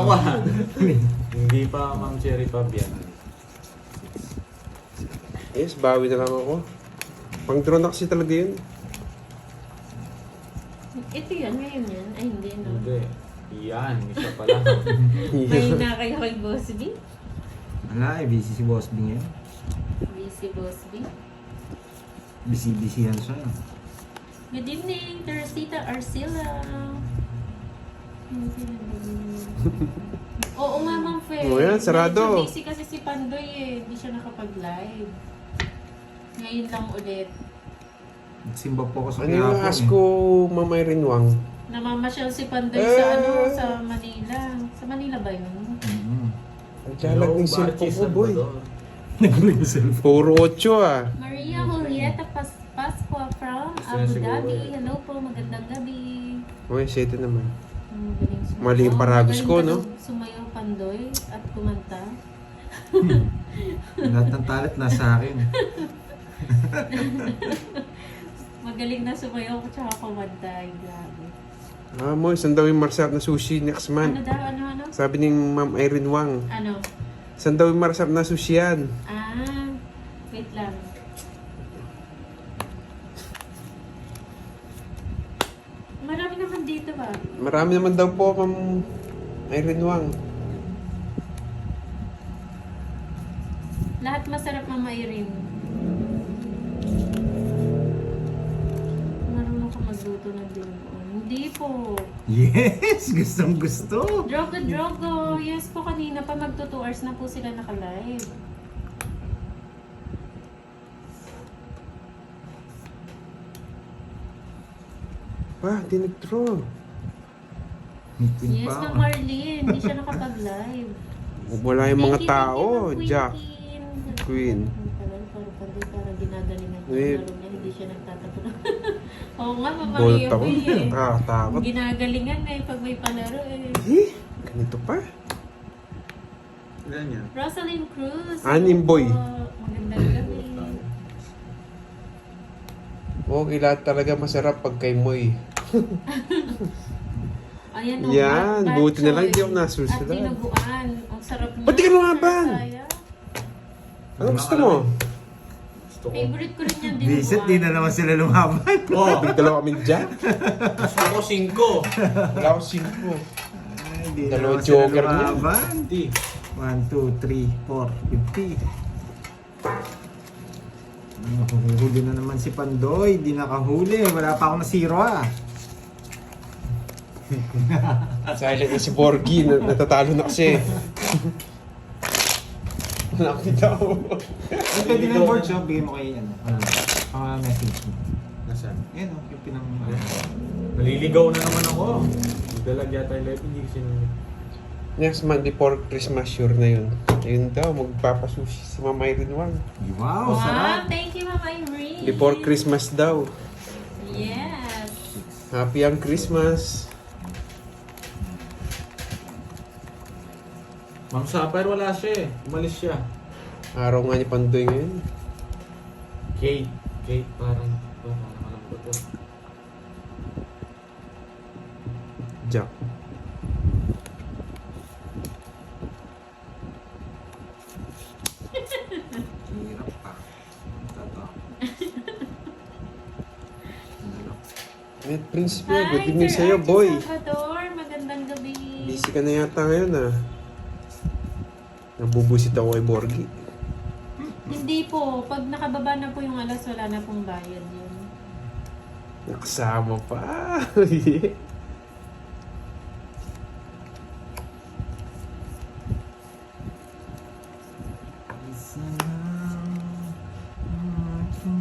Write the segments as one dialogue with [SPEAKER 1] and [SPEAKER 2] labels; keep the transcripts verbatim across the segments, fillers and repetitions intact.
[SPEAKER 1] one. Hindi pa Ma'am Cherry Pub yan.
[SPEAKER 2] Yes, bawi na lang ako. Pang drone na kasi talaga yun.
[SPEAKER 3] Ito yan, ngayon yan. Ay, hindi, no?
[SPEAKER 1] Hindi. Yan, isa pa lang.
[SPEAKER 3] May na kayo kay Boss B?
[SPEAKER 4] Wala eh, busy si Boss B ngayon.
[SPEAKER 3] Busy Boss B.
[SPEAKER 4] Busy-busy yan siya.
[SPEAKER 3] Good evening, Teresita Arcila. Oo nga, Ma'am Fe.
[SPEAKER 2] Oo yan, sarado.
[SPEAKER 3] Medyo busy kasi si Pandoy eh. Hindi siya nakapag-live. Ngayon lang ulit.
[SPEAKER 4] Simba po ako sa
[SPEAKER 2] Ano yung
[SPEAKER 4] kahapon
[SPEAKER 2] ask ko, Ma'am Irene Wang?
[SPEAKER 3] Namamasyal si Pandoy
[SPEAKER 2] Eh.
[SPEAKER 3] sa ano, sa Manila. Sa Manila ba yun?
[SPEAKER 4] Mm-hmm.
[SPEAKER 2] Ang jalag ng cellphone ko, boy.
[SPEAKER 4] Nag-ring cellphone.
[SPEAKER 2] Puro ocho ah.
[SPEAKER 3] Maria Julieta Pas Pascua from
[SPEAKER 1] Gusto niya
[SPEAKER 3] Abu
[SPEAKER 1] siguro
[SPEAKER 3] Dhabi.
[SPEAKER 1] eh.
[SPEAKER 3] Hello po, magandang gabi.
[SPEAKER 2] Okay, sete naman.
[SPEAKER 3] Ang galing sumayaw.
[SPEAKER 2] Mali yung paragos ko,
[SPEAKER 3] Magaling
[SPEAKER 2] no?
[SPEAKER 3] talagang Sumayaw Pandoy at kumanta.
[SPEAKER 4] Lahat ng talent nasa akin.
[SPEAKER 3] Magaling na sumayaw at saka kumanta. Ay, grabe.
[SPEAKER 2] Ah, mo, saan daw yung masarap na sushi next
[SPEAKER 3] Ano
[SPEAKER 2] month?
[SPEAKER 3] daw, ano, ano?
[SPEAKER 2] Sabi ni Ma'am Irene Wang,
[SPEAKER 3] Ano?
[SPEAKER 2] saan daw yung masarap na sushi yan?
[SPEAKER 3] Ah, wait lang. Marami naman dito ba?
[SPEAKER 2] Marami naman daw po, Ma'am Irene Wang.
[SPEAKER 3] Lahat masarap, Mama Irene. Marunong ka magluto ng dinuguan. Hindi po.
[SPEAKER 4] Yes! Gustong gusto!
[SPEAKER 3] Drogo, Drogo. Yes po, kanina pa magto two hours na po sila naka-live.
[SPEAKER 2] Pa, di nag-draw.
[SPEAKER 4] Meeting
[SPEAKER 3] Yes,
[SPEAKER 4] pa
[SPEAKER 3] na
[SPEAKER 4] ako.
[SPEAKER 3] Marlene. Hindi siya nakapag-live.
[SPEAKER 2] Wala yung mga
[SPEAKER 3] Thank you,
[SPEAKER 2] tao.
[SPEAKER 3] thank you, Ma'am
[SPEAKER 2] Jack,
[SPEAKER 3] Queen.
[SPEAKER 2] Queen.
[SPEAKER 3] Ang tagal, parang parang parang ginagalingan ko.
[SPEAKER 2] Eh.
[SPEAKER 3] Laro niya, hindi siya nagtatapon. Oo nga, Mama
[SPEAKER 2] Bolt
[SPEAKER 3] Ria
[SPEAKER 2] ako.
[SPEAKER 3] eh.
[SPEAKER 2] Nakakatakot.
[SPEAKER 3] Ginagalingan eh pag may palaro eh.
[SPEAKER 2] Eh, ganito pa.
[SPEAKER 1] Ilan yan?
[SPEAKER 3] Rosalind Cruz.
[SPEAKER 2] Anim
[SPEAKER 3] hello
[SPEAKER 2] boy.
[SPEAKER 3] po. Magandang gabi.
[SPEAKER 2] Okay, lahat talaga masarap pag kay Moy.
[SPEAKER 3] Ayan, oh,
[SPEAKER 2] Yan,
[SPEAKER 3] bad
[SPEAKER 2] buti na lang
[SPEAKER 3] choice.
[SPEAKER 2] hindi ako nasusunod.
[SPEAKER 3] At dinuguan. Ang sarap niya.
[SPEAKER 2] Ba't di ka lumaban?
[SPEAKER 3] Sayang.
[SPEAKER 2] Ano gusto mo?
[SPEAKER 1] Gusto ko.
[SPEAKER 3] Favorite ko rin yung dinuguan.
[SPEAKER 4] Visit, di na naman sila lumaban.
[SPEAKER 1] Oh,
[SPEAKER 2] Dalawa kami dyan.
[SPEAKER 1] gusto ko cinco.
[SPEAKER 2] Wala ako cinco.
[SPEAKER 4] Ay, di na
[SPEAKER 2] Dalawa
[SPEAKER 4] naman sila
[SPEAKER 2] joker niya.
[SPEAKER 4] lumaban.
[SPEAKER 1] Di.
[SPEAKER 4] one, two, three, four, fifty. Huli na naman si Pandoy. Di nakahuli. Wala pa ako na zero ah.
[SPEAKER 2] Silent na si Borgie. na- Natatalo na kasi. Wala akong tao.
[SPEAKER 4] Ay, pwede na yung board shop. Bigay mo kay ano. Ano? Pang message mo.
[SPEAKER 1] Nasaan?
[SPEAKER 4] Yan o. Yung pinang...
[SPEAKER 1] Naliligaw na naman ako. Dalag yata yung live, hindi kasi nung...
[SPEAKER 2] Next month before Christmas, sure na yun. Ayun daw, magpapasushi si Mama Irene Wang.
[SPEAKER 4] Wow,
[SPEAKER 3] Wow,
[SPEAKER 4] sarap.
[SPEAKER 3] thank you, Mama Irene.
[SPEAKER 2] Before Christmas daw.
[SPEAKER 3] Yes.
[SPEAKER 2] Happy ang Christmas.
[SPEAKER 1] Ma'am Sapphire, wala siya eh. Umalis siya.
[SPEAKER 2] Araw nga ni Pandoy ngayon.
[SPEAKER 1] Kate. Kate, parang... Parang alam ko to.
[SPEAKER 2] Jack.
[SPEAKER 4] Hirap pa. Tato.
[SPEAKER 2] Eh, Prinsipe,
[SPEAKER 3] Hi,
[SPEAKER 2] good evening
[SPEAKER 3] Sir
[SPEAKER 2] sa'yo,
[SPEAKER 3] Archie
[SPEAKER 2] boy.
[SPEAKER 3] Salvador, magandang gabi.
[SPEAKER 2] Busy ka na yata ngayon, ah. Nabubusit ako kay Borgie.
[SPEAKER 3] Hindi po, pag nakababa na po yung alas, wala na pong bayad yun.
[SPEAKER 2] Nakasama pa.
[SPEAKER 4] Isa lang. aking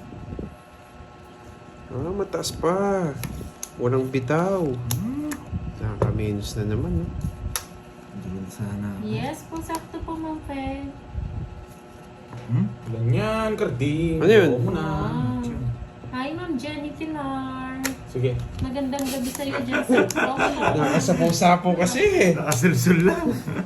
[SPEAKER 2] Ah, mataas pa. Walang bitaw.
[SPEAKER 4] Hmm.
[SPEAKER 2] Nakaka-minus na naman, no?
[SPEAKER 4] Diyan sana. ako.
[SPEAKER 3] Yes po, sakto po, Ma'am Fe.
[SPEAKER 4] Hmm?
[SPEAKER 1] Ilan yan, Carding?
[SPEAKER 2] Ano yun?
[SPEAKER 1] Oo muna.
[SPEAKER 3] Wow. Hi, Ma'am Jenny Pilar.
[SPEAKER 1] Sige.
[SPEAKER 3] Magandang gabi sa iyo dyan sa Florida.
[SPEAKER 2] Nakasapo-sapo kasi.
[SPEAKER 4] Nakasulsul lang.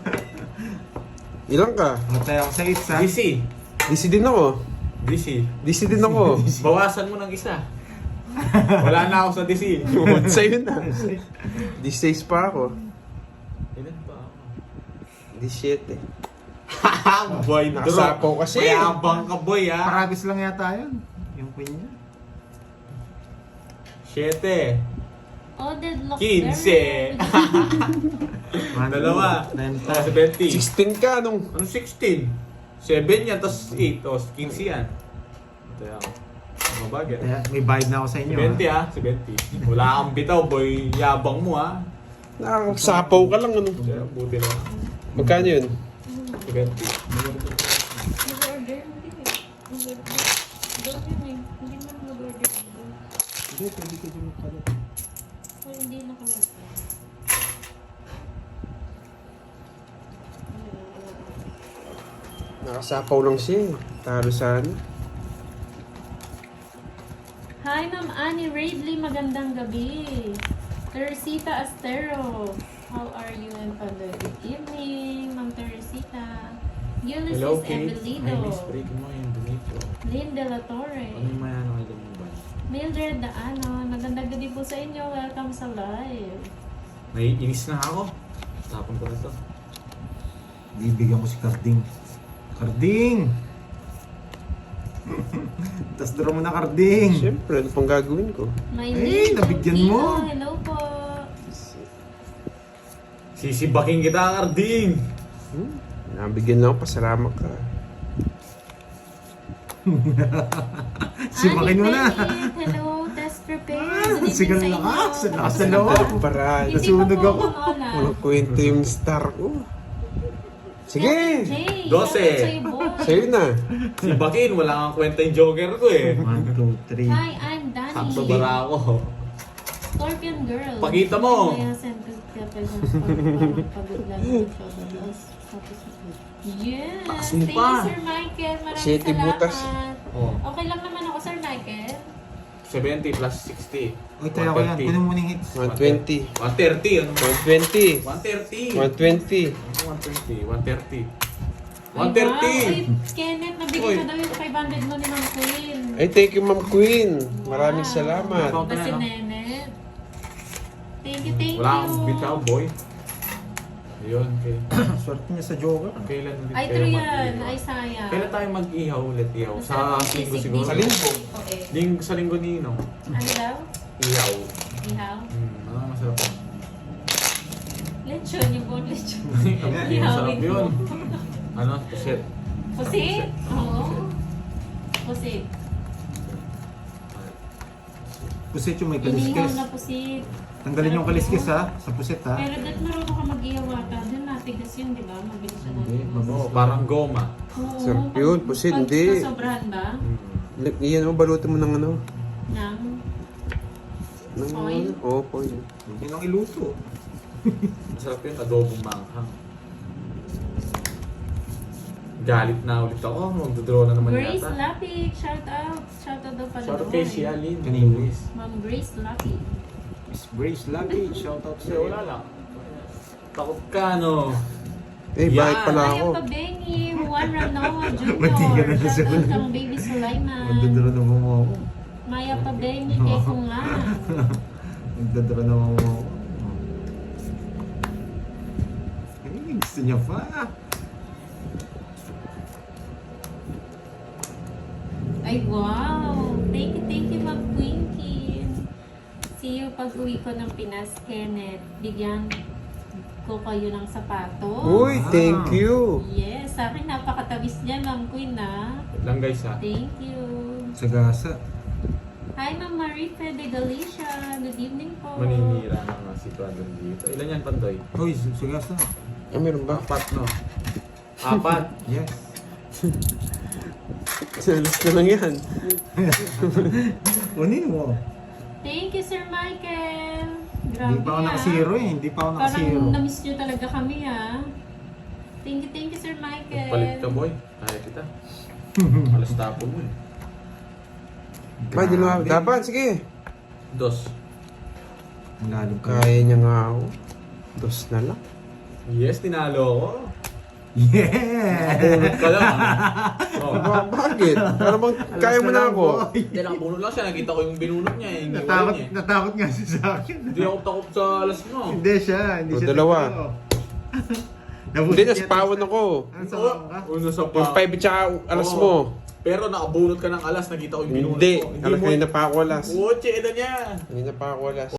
[SPEAKER 2] Ilang ka?
[SPEAKER 4] Matay ako sa isa.
[SPEAKER 1] D C.
[SPEAKER 2] D C din ako.
[SPEAKER 1] D C.
[SPEAKER 2] D C din ako.
[SPEAKER 1] Bawasan mo ng isa. Wala na ako sa D C.
[SPEAKER 2] Sa'yo na. D C pa ako.
[SPEAKER 1] Ilan ba?
[SPEAKER 2] Di shit eh.
[SPEAKER 1] Boy,
[SPEAKER 2] Nakasapaw kasi.
[SPEAKER 1] Mayabang ka, boy, ha?
[SPEAKER 4] Parabis lang yata yun. Yung queen niya.
[SPEAKER 1] Siyete.
[SPEAKER 3] Oh, deadlock.
[SPEAKER 1] Quince.
[SPEAKER 4] One,
[SPEAKER 1] Dalawa.
[SPEAKER 4] two,
[SPEAKER 1] Oh,
[SPEAKER 4] ten,
[SPEAKER 1] seventy.
[SPEAKER 2] sixteen ka nung.
[SPEAKER 1] Ano sixteen? seven yan, tapos eight. O, quince yan. Ito yan. Ano ba, get?
[SPEAKER 4] Kaya may bayad na ako sa inyo.
[SPEAKER 1] seventy,
[SPEAKER 4] ha?
[SPEAKER 1] ha? seventy. Wala kang bitaw, boy. Yabang mo, ha?
[SPEAKER 2] Nakasapaw ka lang ano.
[SPEAKER 1] Kaya, buti na.
[SPEAKER 2] Magkano yun?
[SPEAKER 1] seventy.
[SPEAKER 3] Mag-order. Hindi eh. Mag-order. Doon yun eh. Hindi man mag-order.
[SPEAKER 4] Hindi, pwede ka dyan magpalit.
[SPEAKER 3] So, hindi na kami.
[SPEAKER 2] Nakasapaw lang siya eh. Talo sana.
[SPEAKER 3] Hi, Ma'am Annie Raidley. Magandang gabi. Teresita Astero. How are you and Pandoy? Good evening, Ma'am Teresita. Ulysses
[SPEAKER 1] Hello, Kate.
[SPEAKER 3] Evelido.
[SPEAKER 1] Ay, miss, break mo yung donate.
[SPEAKER 3] Lynn De La Torre.
[SPEAKER 1] Ano yung mayano kayo mo ba?
[SPEAKER 3] Mildred Daanon. Magandang gabi po sa inyo. Welcome sa live.
[SPEAKER 1] Naiinis na ako. Tapon ko na to.
[SPEAKER 4] Bibigyan ko si Carding. Carding! Tapos draw mo na Carding.
[SPEAKER 2] Siyempre, ano pang gagawin ko?
[SPEAKER 3] My
[SPEAKER 4] Eh,
[SPEAKER 3] name,
[SPEAKER 4] nabigyan
[SPEAKER 3] Kilo.
[SPEAKER 4] mo.
[SPEAKER 3] Hello po.
[SPEAKER 1] Sisibaking kita, Carding!
[SPEAKER 2] Hmm? Nabigyan lang ako, pasalamat ka.
[SPEAKER 4] Simakin mo na.
[SPEAKER 3] Annie Bennett, hello, test prepare. Good evening
[SPEAKER 4] Sigal
[SPEAKER 3] sa
[SPEAKER 4] na ka.
[SPEAKER 3] inyo.
[SPEAKER 4] Sa lakas na loob.
[SPEAKER 2] Paraan.
[SPEAKER 3] Hindi
[SPEAKER 4] Nasunog
[SPEAKER 3] pa po
[SPEAKER 4] ako.
[SPEAKER 3] umuulan.
[SPEAKER 2] Walang kwento yung star ko. Sige!
[SPEAKER 3] Jay,
[SPEAKER 1] Dose.
[SPEAKER 3] shoutout sa'yo, boy.
[SPEAKER 2] Sa'yo na.
[SPEAKER 1] Sibakin, wala kang kwenta yung joker ko eh.
[SPEAKER 4] One, two, three.
[SPEAKER 3] Hi, I'm Danny.
[SPEAKER 1] Sakto bara ako.
[SPEAKER 3] Scorpion Girl.
[SPEAKER 1] Pakita mo.
[SPEAKER 3] Kaya send ko kaya pa yung parang pagod lang yung showbiz. Tapos, yes!
[SPEAKER 1] Taas mo
[SPEAKER 3] Thank
[SPEAKER 1] pa.
[SPEAKER 3] you, Sir Michael. Maraming
[SPEAKER 2] City
[SPEAKER 3] salamat.
[SPEAKER 2] butas.
[SPEAKER 1] Oh.
[SPEAKER 3] Okay lang naman ako, Sir Michael.
[SPEAKER 1] seventy plus sixty.
[SPEAKER 4] Uy, tayo ko yan. Kunin mo muna yung hits.
[SPEAKER 2] one twenty.
[SPEAKER 1] one thirty. Ano?
[SPEAKER 2] one twenty.
[SPEAKER 1] one thirty.
[SPEAKER 2] one twenty.
[SPEAKER 1] one twenty. one thirty.
[SPEAKER 3] Ay,
[SPEAKER 1] one thirty.
[SPEAKER 3] wow. Ay, Kenneth, nabigay
[SPEAKER 1] Uy.
[SPEAKER 3] ko daw yung five hundred mo ni Ma'am Queen.
[SPEAKER 2] Ay, thank you, Ma'am Queen. Maraming
[SPEAKER 3] Wow.
[SPEAKER 2] salamat.
[SPEAKER 1] Wow.
[SPEAKER 3] Ba si Nenet? Thank you, thank
[SPEAKER 1] Wala
[SPEAKER 3] you.
[SPEAKER 1] kang bitaw, boy. Ayun, okay.
[SPEAKER 4] Swerte niya sa Joker.
[SPEAKER 1] Kailan ulit
[SPEAKER 3] Ay,
[SPEAKER 1] kayo
[SPEAKER 3] true yan.
[SPEAKER 1] mag-ihaw?
[SPEAKER 3] Ay, sayang.
[SPEAKER 1] Kailan tayo mag-ihaw ulit ihaw? Sa
[SPEAKER 3] Masarap yung
[SPEAKER 1] linggo
[SPEAKER 3] sisig
[SPEAKER 1] siguro.
[SPEAKER 3] dito.
[SPEAKER 2] Sa linggo.
[SPEAKER 3] Okay.
[SPEAKER 1] Ling sa linggo ni Inong.
[SPEAKER 3] Ano daw?
[SPEAKER 1] Ihaw.
[SPEAKER 3] Ihaw?
[SPEAKER 1] Hmm, ano masarap yun?
[SPEAKER 3] Lechon, yung buong lechon.
[SPEAKER 1] Masarap
[SPEAKER 3] Ihawin
[SPEAKER 1] yun.
[SPEAKER 3] mo.
[SPEAKER 1] Ano? Pusit.
[SPEAKER 3] Pusit? Oo. Pusit.
[SPEAKER 4] Pusit yung may
[SPEAKER 3] Inihaw
[SPEAKER 4] kaliskis.
[SPEAKER 3] na pusit.
[SPEAKER 4] Tanggalin yung kaliskis ha. Sa pusit ha.
[SPEAKER 3] Pero dat marunong ka mag-ihaw ata. Doon matigas yun, di ba? Mabilis siya
[SPEAKER 4] Hindi,
[SPEAKER 3] natin.
[SPEAKER 1] Oo, parang goma.
[SPEAKER 3] Oo.
[SPEAKER 2] Sarap yun, pusit,
[SPEAKER 3] Pag
[SPEAKER 2] hindi.
[SPEAKER 3] nasobrahan ba?
[SPEAKER 1] Hmm.
[SPEAKER 2] Iyan mo, balutin mo ng ano.
[SPEAKER 3] Nang?
[SPEAKER 2] Ng
[SPEAKER 3] Oil?
[SPEAKER 2] Oo, oh, oil.
[SPEAKER 4] Yun ang iluto.
[SPEAKER 1] Masarap yun, adobong manghang. Galit na ulit ako. Magdodraw na naman
[SPEAKER 3] Grace
[SPEAKER 1] yata.
[SPEAKER 3] Lapik, shout out. Shout out daw pala
[SPEAKER 1] Shout out
[SPEAKER 3] doon.
[SPEAKER 1] kay si Alin.
[SPEAKER 4] Kanino?
[SPEAKER 1] Luis.
[SPEAKER 3] Ma'am Grace Lapik.
[SPEAKER 4] Miss Grace Lucky. Shout out
[SPEAKER 1] Kasi
[SPEAKER 4] sa'yo.
[SPEAKER 1] wala lang. Takot ka, no?
[SPEAKER 2] Eh,
[SPEAKER 1] Yan.
[SPEAKER 2] bakit pala ako?
[SPEAKER 3] Maya Pabengi, Juan Ranoa
[SPEAKER 4] Mati ka
[SPEAKER 3] Junior
[SPEAKER 4] na sa
[SPEAKER 3] Shout out
[SPEAKER 4] ulo.
[SPEAKER 3] kang Baby Sulaiman.
[SPEAKER 4] Magdadara naman mo ako.
[SPEAKER 3] Maya Pabengi, kay Kungan.
[SPEAKER 4] Magdadara naman mo ako. Ay, gusto niya pa.
[SPEAKER 3] Ay, wow! Thank you, thank you, Ma'am Quinkin. See you pag uwi ko ng Pinas, Kenneth. Bigyan ko kayo ng sapatos.
[SPEAKER 2] Uy, thank you.
[SPEAKER 3] Yes, sa akin napakatawis niya, Ma'am Queen, na.
[SPEAKER 1] Wait lang guys ha.
[SPEAKER 3] Thank you.
[SPEAKER 4] Sa gasa.
[SPEAKER 3] Hi, Ma'am Marife de Galicia. Good evening po.
[SPEAKER 1] Maninira na nga si Brandon dito. Ilan yan, Pandoy?
[SPEAKER 4] Uy, sa gasa.
[SPEAKER 2] Ah, meron ba?
[SPEAKER 1] Apat, no? Apat.
[SPEAKER 4] Yes.
[SPEAKER 2] Salas na lang yan.
[SPEAKER 4] Kunin mo.
[SPEAKER 3] Thank you, Sir Michael.
[SPEAKER 4] Hindi
[SPEAKER 3] Grabe
[SPEAKER 4] pa ako
[SPEAKER 3] ah.
[SPEAKER 4] nakasiro eh. Hindi pa ako nakasiro.
[SPEAKER 3] Parang na-miss nyo talaga kami ah. Thank you, thank you, Sir Michael.
[SPEAKER 1] Palit ka, boy. Kaya kita. Alas tapo mo eh.
[SPEAKER 2] Ba, di na dapat, sige.
[SPEAKER 1] Dos.
[SPEAKER 4] Ang lalim ka.
[SPEAKER 2] Kaya niya nga ako. Dos na lang.
[SPEAKER 1] Yes, tinalo ako.
[SPEAKER 4] Yeah!
[SPEAKER 1] Nakabunot ka lang ha. Oh.
[SPEAKER 2] Ba, bakit? Para bang kaya mo na ako.
[SPEAKER 1] Hindi, nakabunot lang siya. Nakita ko yung binunot niya eh. Yung
[SPEAKER 4] Natakot,
[SPEAKER 1] iwalay niya eh.
[SPEAKER 4] natakot nga siya sa akin.
[SPEAKER 1] Hindi ako takot sa alas mo.
[SPEAKER 4] Hindi siya. Hindi
[SPEAKER 2] O,
[SPEAKER 4] siya
[SPEAKER 2] dalawa.
[SPEAKER 4] totoo.
[SPEAKER 2] Hindi, naspawan ako.
[SPEAKER 4] Ano sa
[SPEAKER 1] Oo,
[SPEAKER 4] ka?
[SPEAKER 1] Uno sa
[SPEAKER 2] Yung
[SPEAKER 1] pa.
[SPEAKER 2] five at saka alas
[SPEAKER 1] Oo.
[SPEAKER 2] mo.
[SPEAKER 1] Pero nakabunot ka ng alas, nakita ko yung binunot
[SPEAKER 2] Hindi.
[SPEAKER 1] ko.
[SPEAKER 2] Alas
[SPEAKER 1] mo.
[SPEAKER 2] kanina pa ako alas.
[SPEAKER 1] Oche, ito niya.
[SPEAKER 2] Kanina pa ako alas.